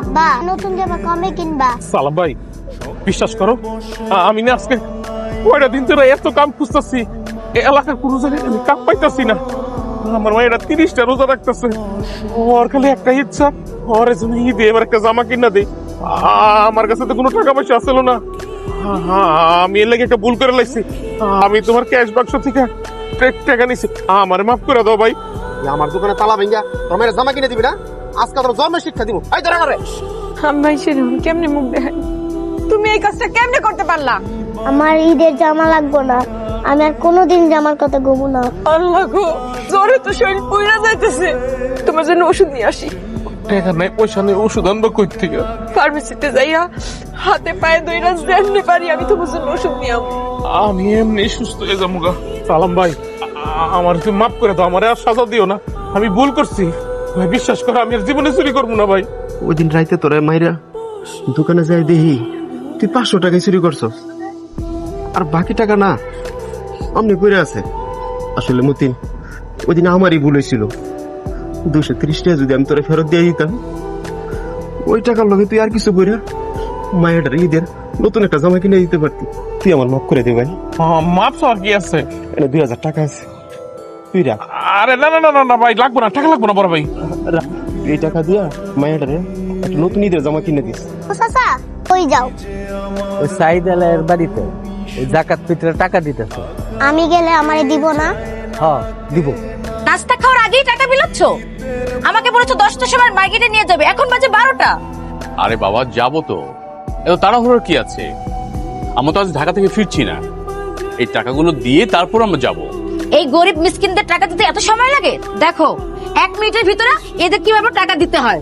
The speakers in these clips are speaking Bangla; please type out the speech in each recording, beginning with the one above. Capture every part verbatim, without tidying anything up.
আব্বা নতুন জামা কমে কিনবা? সালাম ভাই, বিশ্বাস করো আমি না আজকে কয়টা দিন ধরে এত কাম খুঁজতেছি, এলাকার কোনো জায়গায় আমি কাম পাইতাছি না। আমার মায়েরা তিরিশটা রোজা রাখতেছে, ওর খালি একটা ইচ্ছা, ওর জন্য ঈদে এবার একটা জামা কিনা দেই। আমার কাছে তো কোনো টাকা পয়সা আসলো না, আমি এর লাগে একটা ভুল করে লাইছি। আমি তোমার ক্যাশ বাক্স থেকে টাকা নিছি, আমার মাফ করে দাও ভাই। আমার দোকানে তালা ভেঙ্গা তোর মেয়ের জামা কিনে দিবি না? আজকে তোর জন্মের শিক্ষা দিব। এই ধরে করে ভাই সেরকম কেমনে মুখ দেখাই? তুমি এই কাজটা কেমনে করতে পারলা? আমার ঈদের জামা লাগবে না, আমি আর কোনোদিন জামার কথা গোবো না। আল্লাহ গো, জ্বরে তো শরীর পুইরা যাইতেছে। তোমার জন্য ওষুধ নিয়ে আসি। টাকা নাই, পয়সা নেই, ওষুধ আনবো কই থেকে? ফার্মেসিতে যাইয়া হাতে পায়ে দইরা যেমনি পারি আমি তোমার জন্য ওষুধ নিয়ে আসবো। আমি এমনি সুস্থ হয়ে যাবো গা। সালাম ভাই, আমার তুমি মাফ করে দাও, আমার আর সাজা দিও না, আমি ভুল করছি ভাই। বিশ্বাস করো আমি আর জীবনে চুরি করবো না ভাই। ওই দিন রাইতে তোরা মাইরা দোকানে যাই দেখি তুই পাঁচশো টাকা চুরি করছো, আর বাকি টাকা না অমনি করে আছে। আসলে মতিন ওই দিন আমারই ভুল হয়েছিল, দুশো ত্রিশ টাকা যদি আমি তোরা ফেরত দিয়ে দিতাম, ওই টাকার লগে তুই আর কিছু করে মায়ের ঈদের নতুন একটা জামা কিনে দিতে পারতি। তুই আমার মাফ করে দে ভাই। মাপ আর কি আছে, এটা দুই হাজার টাকা আছে, তুই রাখ। আরে না না না না ভাই, লাগবো না, টাকা লাগবো না বড় ভাই। রাখ, এই টাকা দিয়া মায়েরারে একটা নতুন ঈদের জামা কিনে দিস। ও চাচা কই যাও? ওই সাইদ আলাইয়ের বাড়িতে ওই জাকাত পিতরে টাকা দিতেছে। আমি গেলে আমারে দিব না? হ্যাঁ দিব। নাস্তা খাওয়ার আগেই টাকা বিলাচ্ছ? আমাকে বলেছো দশটার সময় মার্কেটে নিয়ে যাবে, এখন বাজে বারোটা। আরে বাবা যাবো তো, এত তাড়াহুড়োর কি আছে? আমরা তো আজ ঢাকা থেকে ফিরছি না, এই টাকাগুলো দিয়ে তারপর আমরা যাবো। এই গরিব মিসকিনদের টাকা দিতে এত সময় লাগে? দেখো এক মিনিটের ভিতরে এদের কিভাবে টাকা দিতে হয়।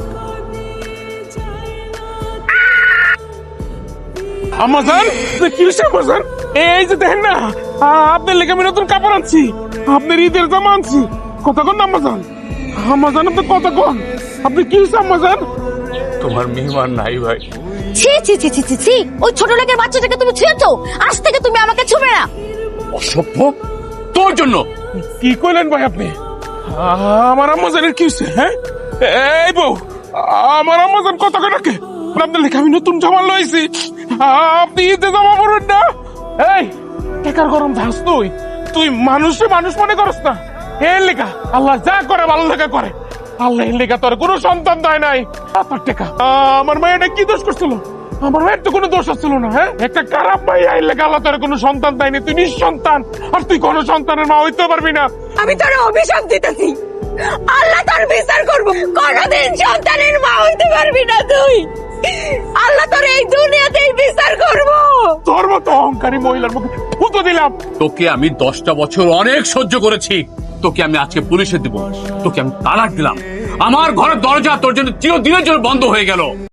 আমাজন কি হয়েছে আমাজন? এই যে দেখেন না, আপনার লেগে আমি নতুন কাপড় আনছি, আপনার ঈদের জামা আনছি। কথা কন না আমাজন, আমাজন আপনি কথা কন, আপনি কি হয়েছে আমাজন? তোমার মেহমান নাই ভাই। ছি ছি ছি ছি ছি ছি, ওই ছোট লোকের বাচ্চাটাকে তুমি ছুঁয়েছো, আজ থেকে তুমি আমাকে ছুবে না। অসভ্য, তোর জন্য। কি কইলেন ভাই আপনি? আমার আম্মাজানের কি হয়েছে? হ্যাঁ এই বউ, আমার আম্মাজান কত করে কে? আপনার লেখা আমি নতুন জামা লইছি, আপনি ঈদে জামা পরবেন না? এই টাকার গরম ধাস, তুই তুই মানুষে মানুষ মনে করস না? এর লেখা আল্লাহ যা করে ভালো লেখা করে, আল্লাহ এর লেখা তোর কোনো সন্তান দেয় নাই। আপনার টাকা আমার মায়েটা কি দোষ করছিল? আমার মায়ের তো কোনো দোষ আসছিল না। হ্যাঁ একটা খারাপ ভাই আইন লেখা আল্লাহ তোর কোনো সন্তান দেয়নি, তুই নিঃসন্তান, আর তুই কোনো সন্তানের মা হইতে পারবি না। আমি তোর অভিশাপ দিতেছি, আল্লাহ তোর বিচার করবো। কোনদিন সন্তানের মা হইতে পারবি না তুই, আল্লাহ তোর এই দুনিয়াতেই বিচার করবো। তোর মতো অহংকারী মহিলার মুখে ফুটো দিলাম। তোকে আমি দশটা বছর অনেক সহ্য করেছি, তোকে আমি আজকে পুলিশে দিব, তোকে আমি তালাক দিলাম। আমার ঘরের দরজা তোর জন্য চিরদিনের জন্য বন্ধ হয়ে গেল।